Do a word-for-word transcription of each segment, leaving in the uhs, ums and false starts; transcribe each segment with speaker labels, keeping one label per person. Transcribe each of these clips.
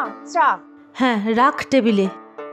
Speaker 1: চা।
Speaker 2: হ্যাঁ, রাখ টেবিলে।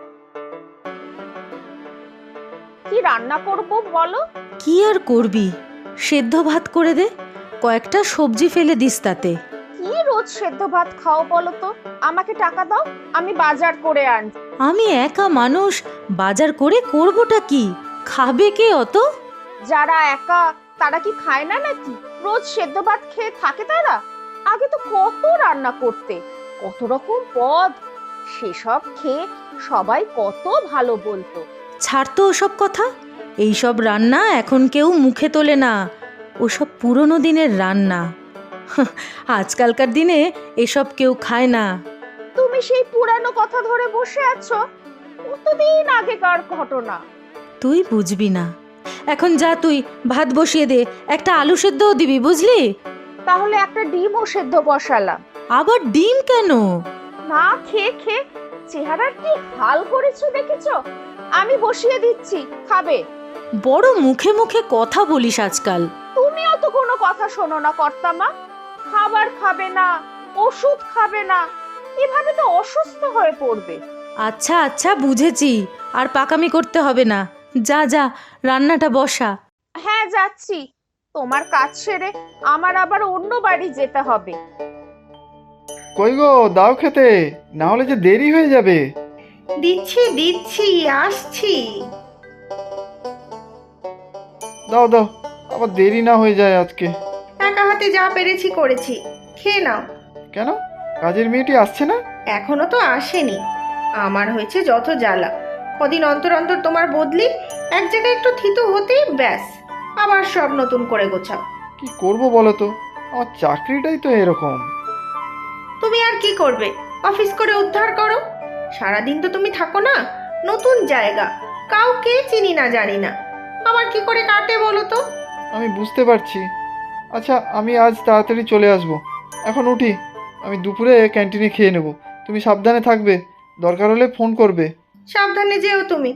Speaker 1: কি রান্না করব বলো?
Speaker 2: কি আর করবি, সেদ্ধ ভাত করে দে, কয়েকটা সবজি ফেলে দিস তাতে।
Speaker 1: কি রোজ সেদ্ধ ভাত খাও বলো তো? আমাকে টাকা দাও, আমি বাজার করে আনছি।
Speaker 2: আমি একা মানুষ, বাজার করে করবোটা কি? খাবে কে অত?
Speaker 1: যারা একা তারা কি খায় না নাকি? রোজ সেদ্ধ ভাত খেয়ে থাকে তারা? আগে তো কত রান্না করতে, কত রকম পদ, সেসব খেয়ে সবাই কত ভালো বলতো।
Speaker 2: ছাড় তো ওসব কথা, এইসব রান্না এখন কেউ মুখে তোলে না, ওসব পুরনো দিনের রান্না। আজকালকার দিনে এসব কেউ খায় না।
Speaker 1: তুমি সেই পুরানো কথা ধরে বসে আছো, কতদিন আগেকার ঘটনা।
Speaker 2: তুই বুঝবি না, এখন যা তুই ভাত বসিয়ে দে, একটা আলু সেদ্ধও দিবি বুঝলি?
Speaker 1: তাহলে একটা ডিমও সেদ্ধ বসালাম।
Speaker 2: আবার ডিম কেন?
Speaker 1: না খেয়ে খেয়ে চেহারার কি হাল করেছো দেখেছো? আমি বসিয়ে দিচ্ছি, খাবে?
Speaker 2: বড় মুখে মুখে কথা বলিস আজকাল।
Speaker 1: তুমিও তো কোনো কথা শোনো না কর্তামা। খাবার খাবে না, ওষুধ খাবে না, এভাবে তো অসুস্থ হয়ে পড়বে।
Speaker 2: আচ্ছা আচ্ছা বুঝেছি, আর পাকামি করতে হবে না, যা যা রান্নাটা বসা।
Speaker 1: হ্যাঁ যাচ্ছি, তোমার কাজ সেরে আমার আবার অন্য বাড়ি যেতে হবে।
Speaker 3: কই গো, দাও খেতে, না হলে যে দেরি হয়ে যাবে।
Speaker 4: দিচ্ছি দিচ্ছি, আসছি।
Speaker 3: দাও দাও, আবার দেরি না হয়ে যায় আজকে।
Speaker 4: একা হাতে যা পেরেছি করেছি, খেয়ে নাও।
Speaker 3: কেন, কাজের মেয়েটি আসছে না?
Speaker 4: এখনো তো আসেনি। আমার হয়েছে যত জ্বালা, কদিন অন্তর অন্তর তোমার বদলি, এক জায়গায় একটু থিতু হতেই ব্যাস আবার সব নতুন করে গোছাও।
Speaker 3: কি করব বলো তো, আমার চাকরিটাই তো এরকম।
Speaker 4: তুমি আর কি করবে, অফিস করে উদ্ধার করো। সারাদিন তো তুমি থাকো না, নতুন জায়গা, কাউকে চিনি না জানি না, আমার কি করে কাটে বলো তো?
Speaker 3: আমি বুঝতে পারছি। আচ্ছা, আমি আজ তাড়াতাড়ি চলে আসব। এখন উঠি, আমি দুপুরে ক্যান্টিনে খেয়ে নেব। তুমি সাবধানে থাকবে, দরকার হলে ফোন করবে।
Speaker 4: সাবধানে যেও তুমি।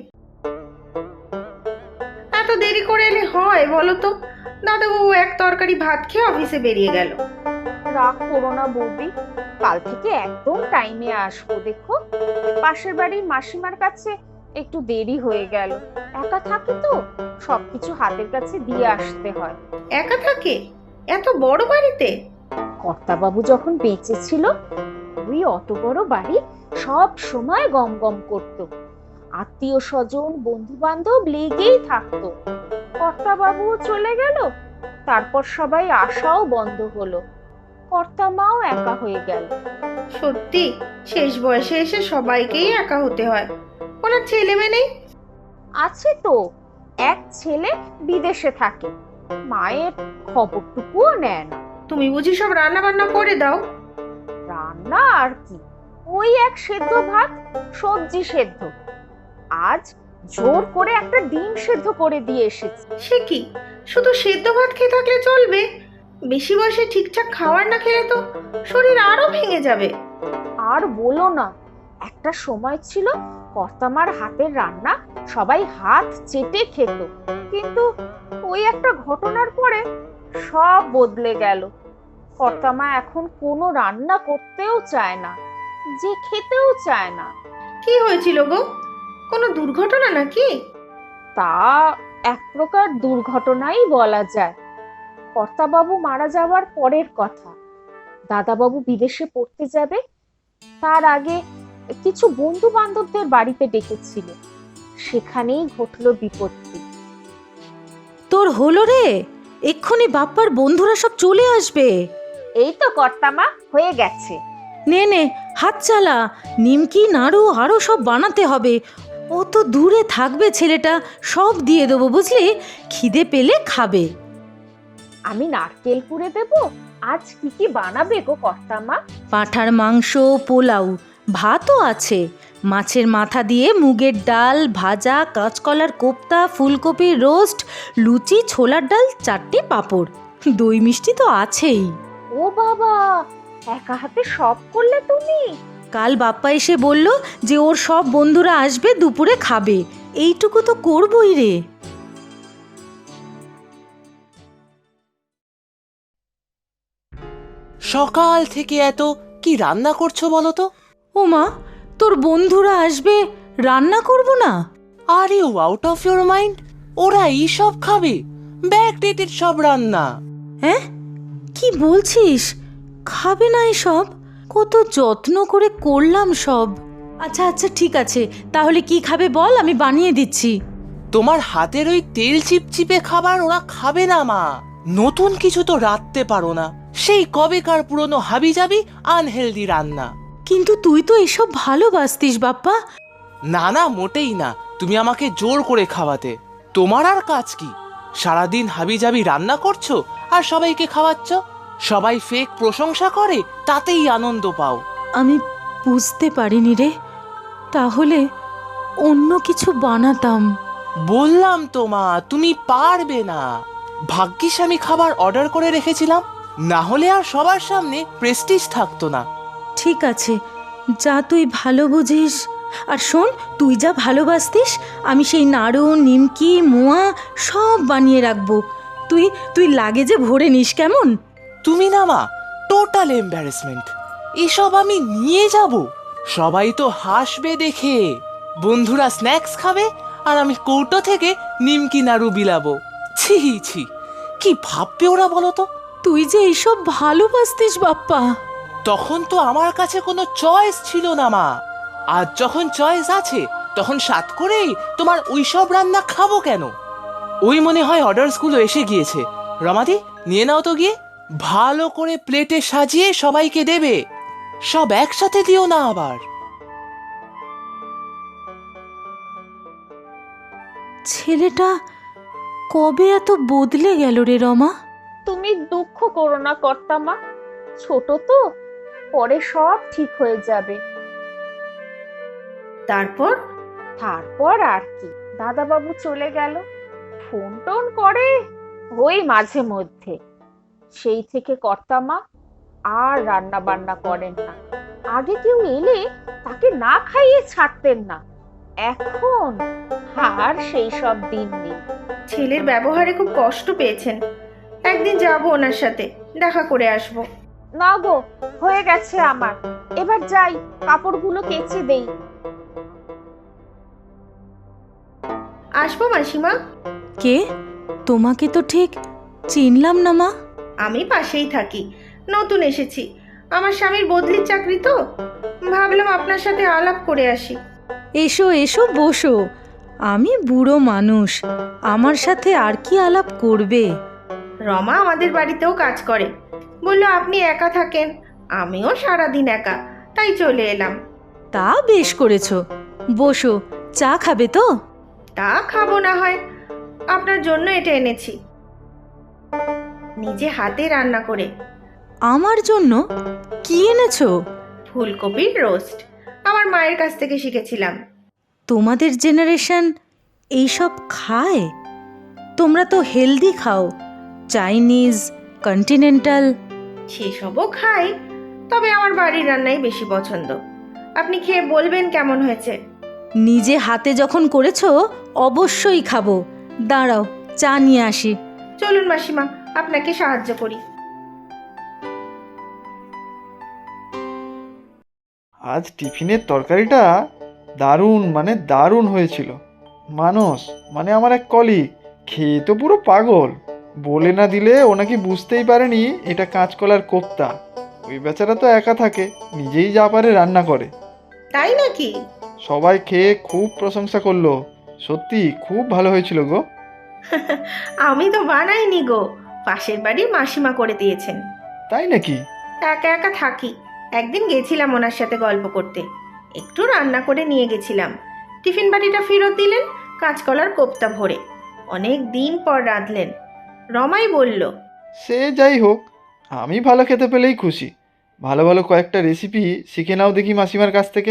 Speaker 4: এত দেরি করে এলে হয় বলো তো? দাদাবাবু এক তরকারি ভাত খেয়ে অফিসে বেরিয়ে গেল।
Speaker 1: রাগ করো না বৌদি, কাল থেকে একদম টাইমে আসবো। দেখো, পাশের বাড়ির মাসিমার কাছে একটু দেরি হয়ে গেল। একা থাকি তো, সবকিছু হাতের কাছে দিয়ে আসতে হয়।
Speaker 4: একা থাকে এত বড় বাড়িতে?
Speaker 1: কর্তাবাবু যখন বেঁচে ছিল, ওই অত বড় বাড়ি সব সময় গম গম করতো, আত্মীয় স্বজন বন্ধু বান্ধব লেগেই থাকতো। কর্তাবাবু চলে গেল, তারপর সবাই আসাও বন্ধ হলো, কর্তা মাও একা হয়ে গেল।
Speaker 4: সত্যি, শেষ বয়সে এসে সবাইকেই একা হতে হয়। ওনার ছেলে মেয়ে নেই?
Speaker 1: আছে তো, এক ছেলে বিদেশে থাকে, মায়ের খবরটুকুও নেয় না।
Speaker 4: তুমি বুঝি সব রান্না বান্না করে দাও?
Speaker 1: রান্না আর কি, ওই এক সেদ্ধ ভাত, সবজি সেদ্ধ। আজ জোর করে একটা ডিম সেদ্ধ করে দিয়ে এসেছি।
Speaker 4: সে কি, শুধু সেদ্ধ ভাত খেয়ে থাকলে চলবে? বেশি বয়সে ঠিকঠাক খাবার না খেলে তো শরীর আরো ভেঙে যাবে।
Speaker 1: আর বলো না, একটা সময় ছিল কর্তামার হাতের রান্না সবাই হাত চেটে খেত, কিন্তু ওই একটা ঘটনার পরে সব বদলে গেল। কর্তামা এখন কোনো রান্না করতেও চায় না, যে খেতেও চায় না।
Speaker 4: কি হয়েছিল গো, কোনো দুর্ঘটনা নাকি?
Speaker 1: তা এক প্রকার দুর্ঘটনাই বলা যায়। কর্তাবাবু মারা যাওয়ার পরের কথা। দাদাবাবু বিদেশে পড়তে যাবে, তার আগে কিছু বন্ধু বান্ধবদের বাড়িতে ডেকেছিল, সেখানেই ঘটলো বিপত্তি।
Speaker 2: তোর হলো রে, এক্ষুনি বাপ্পার বন্ধুরা সব চলে আসবে।
Speaker 1: এই তো কর্তামা, হয়ে গেছে।
Speaker 2: নে নে হাত চালা, নিমকি নাড়ু আরও সব বানাতে হবে। অত দূরে থাকবে ছেলেটা, সব দিয়ে দেবো বুঝলি, খিদে পেলে খাবে।
Speaker 1: আমি নারকেল কুড়ে দেবো। আজ কি কি বানাবে গো কর্তামা?
Speaker 2: পাঁঠার মাংস, পোলাও, ভাতও আছে, মাছের মাথা দিয়ে মুগের ডাল, ভাজা, কাঁচকলার কোপ্তা, ফুলকপির রোস্ট, লুচি, ছোলার ডাল, চারটে পাঁপড়, দই মিষ্টি তো আছেই।
Speaker 1: ও বাবা, একা হাতে সব করলে তুমি?
Speaker 2: কাল বাপ্পা এসে বলল যে ওর সব বন্ধুরা আসবে, দুপুরে খাবে, এইটুকু তো করবই রে।
Speaker 5: সকাল থেকে এত কি রান্না করছো বলো তো?
Speaker 2: ও মা, তোর বন্ধুরা আসবে, রান্না করব না?
Speaker 5: Are you out of your mind? ওরা এইসব খাবে? ব্যাকডেটেড সব রান্না।
Speaker 2: হ্যাঁ, কি বলছিস? খাবে না এসব? কত যত্ন করে করলাম সব। আচ্ছা আচ্ছা ঠিক আছে, তাহলে কি খাবে বল, আমি বানিয়ে দিচ্ছি।
Speaker 5: তোমার হাতের ওই তেল চিপচিপে খাবার ওরা খাবে না মা। নতুন কিছু তো রাঁধতে পারো না, সেই কবেকার পুরনো হাবিজাবি আনহেলদি রান্না।
Speaker 2: কিন্তু তুই তো এসব ভালোবাসতিস বাপ্পা।
Speaker 5: না না, মোটেই না। তুমি আমাকে জোর করে খাওয়াতে। তোমার আর কাজ কি? সারাদিন হাবিজাবি রান্না করছো আর সবাইকে খাওয়াচ্ছ। সবাই ফেক প্রশংসা করে, তাতেই আনন্দ পাও।
Speaker 2: আমি বুঝতে পারিনি রে, তাহলে অন্য কিছু বানাতাম।
Speaker 5: বললাম তো মা, তুমি পারবে না। ভাগ্যিস আমি খাবার অর্ডার করে রেখেছিলাম, না হলে আর সবার সামনে প্রেস্টিজ থাকতো না।
Speaker 2: ঠিক আছে, যা তুই ভালো বুঝিস। আর শোন, তুই যা ভালোবাসতিস আমি সেই নাড়ু, নিমকি, মোয়া সব বানিয়ে রাখবো। তুই তুই লাগেজে ভরে নিস কেমন?
Speaker 5: তুমি না মা, টোটাল এম্বারেসমেন্ট। এসব আমি নিয়ে যাব? সবাই তো হাসবে দেখে। বন্ধুরা স্ন্যাক্স খাবে আর আমি কৌটো থেকে নিমকি নাড়ু বিলাবো। ছি ছি, কি ভাববে ওরা বলো তো?
Speaker 2: তুই যে এইসব ভালোবাসতিস বাপ্পা।
Speaker 5: তখন তো আমার কাছে কোনো চয়েস ছিল না মা। আজ যখন চয়েস আছে, তখন সাত করেই তোমার ওইসব রান্না খাবো কেন? ওই মনে হয় অর্ডারসগুলো এসে গিয়েছে। রমাদি, নিয়ে নাও তো গিয়ে। ভালো করে প্লেটে সাজিয়ে সবাইকে দেবে। সব একসাথে দিও না আবার।
Speaker 2: ছেলেটা কবে এত বদলে গেল রে রমা?
Speaker 1: তুমি দুঃখ করো না কর্তামা, ছোট তো, পরে সব ঠিক হয়ে যাবে।
Speaker 4: তারপর
Speaker 1: তারপর আর কি, দাদাবাবু চলে গেল। ফোন টোন করে ওই মাঝে মধ্যে। সেই থেকে কর্তামা আর রান্না বান্না করেন না। আগে কেউ এলে তাকে না খাইয়ে ছাড়তেন না, এখন আর সেই সব দিন নেই।
Speaker 4: ছেলের ব্যবহারে খুব কষ্ট পেয়েছেন। একদিন যাবো ওনার সাথে, দেখা করে আসবো।
Speaker 1: না গো, হয়ে গেছে আমার, এবার যাই, কাপড়গুলো কেচে দেই।
Speaker 4: আসবো মাসিমা।
Speaker 2: কে? তোমাকে তো ঠিক চিনলাম না মা।
Speaker 4: আমি পাশেই থাকি, নতুন এসেছি। আমার স্বামীর বদলির চাকরি তো, ভাবলাম আপনার সাথে আলাপ করে আসি।
Speaker 2: এসো এসো, বসো। আমি বুড়ো মানুষ, আমার সাথে আর কি আলাপ করবে?
Speaker 4: রমা আমাদের বাড়িতেও কাজ করে, বললো আপনি একা থাকেন, আমিও সারাদিন একা, তাই চলে এলাম।
Speaker 2: তা বেশ করেছো, বসো। চা খাবে তো?
Speaker 4: তা খাবো না হয়, আপনার জন্য এটা এনেছি, নিজে হাতে রান্না করে।
Speaker 2: আমার জন্য? কি এনেছো?
Speaker 4: ফুলকপির রোস্ট, আমার মায়ের কাছ থেকে শিখেছিলাম।
Speaker 2: তোমাদের জেনারেশন এইসব খায়? তোমরা তো হেলদি খাও, চাইনিজ, কন্টিনেন্টাল।
Speaker 4: সেসবও খাই, তবে আমার বাড়ির রান্নাই বেশি পছন্দ। আপনি খেয়ে বলবেন কেমন হয়েছে।
Speaker 2: নিজে হাতে যখন করেছো অবশ্যই খাবো। দাঁড়াও, চা নিয়ে আসি।
Speaker 4: চলুন মাসিমা, আপনাকে সাহায্য করি।
Speaker 3: আজ টিফিনের তরকারিটা দারুণ মানে দারুণ হয়েছিল। মানস মানে আমার এক কলিগ খেয়ে তো পুরো পাগল। বলে না দিলে ও নাকি বুঝতেই পারেনি এটা কাঁচকলার কোপ্তা। ওই বেচারা তো একা থাকে, নিজেই যা পারে রান্না করে।
Speaker 4: তাই নাকি?
Speaker 3: সবাই খেয়ে খুব প্রশংসা করলো। সত্যি খুব ভালো হয়েছিল গো।
Speaker 4: আমি তো বানাইনি গো, পাশের বাড়ির মাসিমা করে দিয়েছেন।
Speaker 3: তাই নাকি?
Speaker 4: একা একা থাকি, একদিন গেছিলাম ওনার সাথে গল্প করতে, একটু রান্না করে নিয়ে গেছিলাম। টিফিন বাটিটা ফেরত দিলেন কাঁচকলার কোপ্তা ভরে। অনেক দিন পর রাঁধলেন। রমাই বলল,
Speaker 3: সে যাই হোক, আমি ভালো খেতে পেলেই খুশি। ভালো ভালো কয়েকটা রেসিপি শিখে নাও দেখি মাসিমার কাছ থেকে।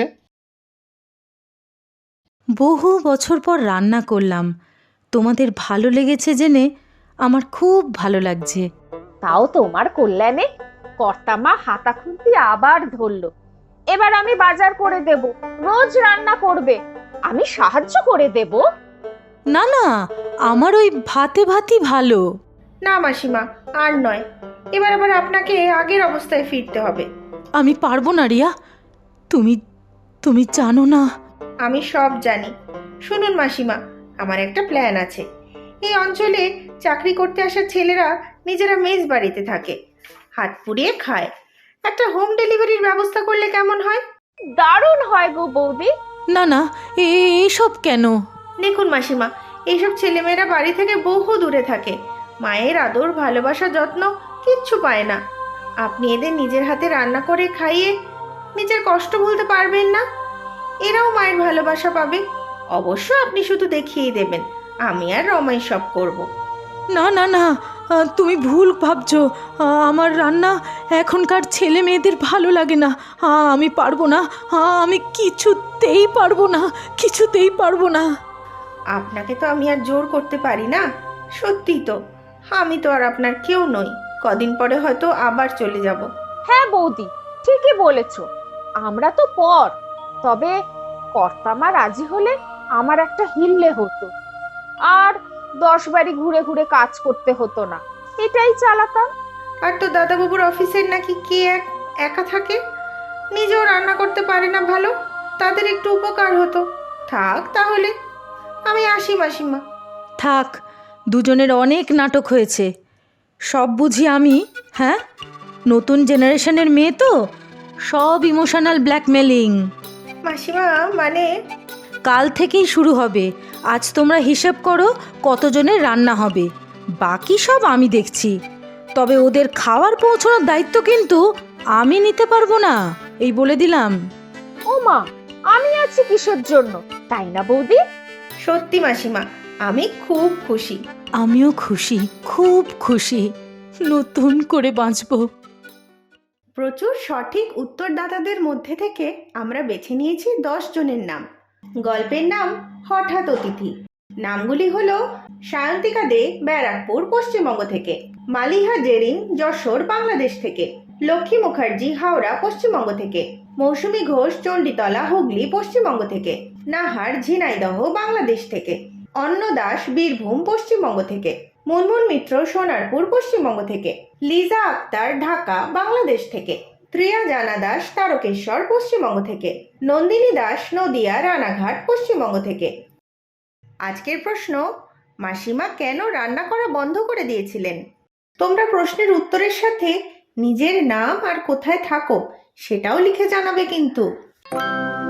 Speaker 2: বহু বছর পর রান্না করলাম, তোমাদের ভালো লেগেছে জেনে আমার খুব ভালো লাগছে।
Speaker 1: তাও তোমার কল্যাণে। কর্তামা হাতা খুন্তি আবার ধরলো। এবার আমি বাজার করে দেব, রোজ রান্না করবে, আমি সাহায্য করে দেব।
Speaker 2: না না, আমার ওই ভাতে ভাতই ভালো।
Speaker 4: না মাসিমা, আর নয়, এবার আবার আপনাকে আগের অবস্থায় ফিরতে হবে।
Speaker 2: আমি পারবো না রিয়া, তুমি তুমি জানো না?
Speaker 4: আমি সব জানি। শুনুন মাসিমা, আমার একটা প্ল্যান আছে। এই অঞ্চলে চাকরি করতে আসা ছেলেরা নিজেরা মেস বাড়িতে থাকে, হাত পুড়িয়ে খায়। একটা হোম ডেলিভারির ব্যবস্থা করলে কেমন হয়?
Speaker 1: দারুণ হয় গো বৌদি।
Speaker 2: না না, এ- এসব কেন?
Speaker 4: দেখুন মাসিমা, এইসব ছেলেমেয়েরা বাড়ি থেকে বহু দূরে থাকে, মায়ের আদর ভালোবাসা যত্ন কিচ্ছু পায় না। আপনি এদের নিজের হাতে রান্না করে খাইয়ে নিজের কষ্ট ভুলতে পারবেন না, এরাও মায়ের ভালোবাসা পাবে। অবশ্য আপনি শুধু দেখিয়েই দেবেন, আমি আর রমাই সব করব।
Speaker 2: না না না, আহ, তুমি ভুল ভাবছো। আহ, আমার রান্না এখনকার ছেলে মেয়েদের ভালো লাগে না। আহ, আমি পারবো না। আহ, আমি কিছুতেই পারবো না, কিছুতেই পারবো না।
Speaker 4: আপনাকে তো আমি আর জোর করতে পারি না। সত্যি তো, আমি তো আর আপনার কেউ নই। কদিন পরে হয়তো আবার চলে যাব।
Speaker 1: হ্যাঁ বৌদি, ঠিকই বলেছ। আমরা তো পর, তবে কর্তামা রাজি হলে আমার একটা হিললে হতো, আর দশ বাড়ি ঘুরে ঘুরে কাজ করতে হতো না, এটাই চালাতাম।
Speaker 4: আর তো দাদাবাবুর অফিসের নাকি কে এক একা থাকে, নিজেও রান্না করতে পারে না ভালো, তাদের একটু উপকার হতো। থাক তাহলে, আমি আসি মাসিমা।
Speaker 2: থাক, দুজনের অনেক নাটক হয়েছে। সব বুঝি আমি? হ্যাঁ, নতুন জেনারেশনের মেয়ে তো, সব ইমোশনাল ব্ল্যাকমেলিং।
Speaker 4: মাসিমা মানে,
Speaker 2: কাল থেকেই শুরু হবে। আজ তোমরা হিসেব করো কতজনের রান্না হবে, বাকি সব আমি দেখছি। তবে ওদের খাওয়ার পৌঁছানোর দায়িত্ব কিন্তু আমি নিতে পারবো না, এই বলে দিলাম।
Speaker 1: ও মা, আমি আছি কিসের জন্য, তাই না বৌদি?
Speaker 4: সত্যি মাসিমা, আমি খুব খুশি।
Speaker 2: আমিও খুশি, খুব খুশি। নতুন করে বাঁচবো।
Speaker 4: প্রচুর সঠিক উত্তরদাতাদের মধ্যে থেকে আমরা বেছে নিয়েছি দশ জনের নাম। গল্পের নাম হঠাৎ অতিথি। নামগুলি হলো সায়ন্তিকা দে, ব্যারাকপুর, পশ্চিমবঙ্গ থেকে; মালিহা জেরিন, যশোর, বাংলাদেশ থেকে; লক্ষ্মী মুখার্জি, হাওড়া, পশ্চিমবঙ্গ থেকে; মৌসুমী ঘোষ, চণ্ডীতলা, হুগলি, পশ্চিমবঙ্গ থেকে; নাহার, ঝিনাইদহ, বাংলাদেশ থেকে; অন্ন দাস, বীরভূম, পশ্চিমবঙ্গ থেকে; মুনমুন মিত্র, সোনারপুর, পশ্চিমবঙ্গ থেকে; লিজা আক্তার, ঢাকা, বাংলাদেশ থেকে; ত্রিয়া জানা দাস, তারকেশ্বর, পশ্চিমবঙ্গ থেকে; নন্দিনী দাস, নদিয়া, রানাঘাট, পশ্চিমবঙ্গ থেকে। আজকের প্রশ্ন, মাসিমা কেন রান্না করা বন্ধ করে দিয়েছিলেন? তোমরা প্রশ্নের উত্তরের সাথে নিজের নাম আর কোথায় থাকো সেটাও লিখে জানাবে কিন্তু।